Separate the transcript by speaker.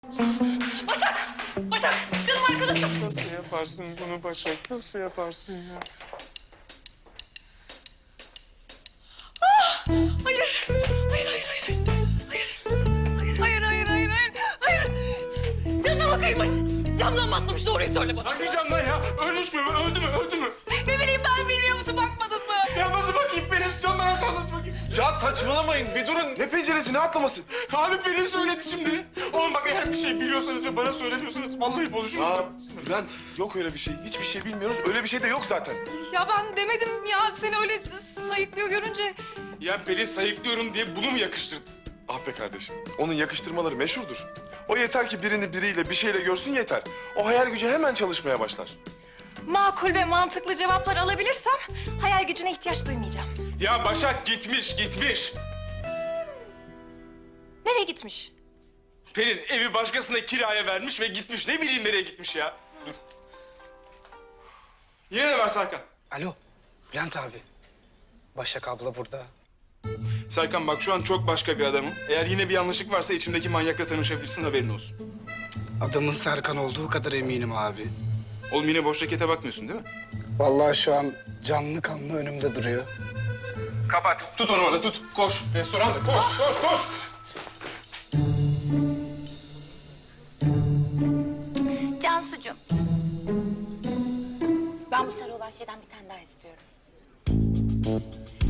Speaker 1: Başak! Başak! Canım arkadaşım!
Speaker 2: Nasıl yaparsın bunu Başak? Nasıl yaparsın ya?
Speaker 1: Hayır! Hayır, hayır, hayır! Hayır! Hayır, hayır, hayır, hayır! Hayır! Canına kıymış! Camdan mı atlamış? Doğruyu söyle bana.
Speaker 2: Hangi camdan ya? Ölmüş mü? Öldü mü? Öldü mü?
Speaker 1: Ne bileyim ben, bilmiyor musun? Bakmadın mı?
Speaker 2: Ya nasıl bakayım Pelin? Camdan aşağı nasıl bakayım?
Speaker 3: Ya saçmalamayın bir durun. Ne penceresi ne atlaması?
Speaker 2: Abi Pelin söyledi şimdi. Oğlum bak eğer bir şey biliyorsanız ve bana söylemiyorsanız vallahi bozuşuruz.
Speaker 3: Aa Bülent yok öyle bir şey. Hiçbir şey bilmiyoruz. Öyle bir şey de yok zaten.
Speaker 1: Ya ben demedim ya. Seni öyle sayıklıyor görünce.
Speaker 2: Ya Pelin sayıklıyorum diye bunu mu yakıştırdın?
Speaker 3: Ah be kardeşim. Onun yakıştırmaları meşhurdur. O yeter ki birini biriyle bir şeyle görsün yeter. O hayal gücü hemen çalışmaya başlar.
Speaker 1: Makul ve mantıklı cevaplar alabilirsem hayal gücüne ihtiyaç duymayacağım.
Speaker 2: Ya Başak gitmiş.
Speaker 1: Nereye gitmiş?
Speaker 2: Pelin evi başkasına kiraya vermiş ve gitmiş. Ne bileyim nereye gitmiş ya. Dur. Yine ne var Serkan?
Speaker 4: Alo, Bülent abi. Başak abla burada.
Speaker 2: Serkan bak şu an çok başka bir adamım. Eğer yine bir yanlışlık varsa içimdeki manyakla tanışabilirsin haberin olsun.
Speaker 4: Adamın Serkan olduğu kadar eminim abi.
Speaker 2: Oğlum yine boş rakete bakmıyorsun değil mi?
Speaker 4: Vallahi şu an canlı kanlı önümde duruyor.
Speaker 2: Kapat. Tut onu orada tut. Koş. Restoranda koş.
Speaker 5: Cansucuğum. Ben bu sarı olan şeyden bir tane daha istiyorum.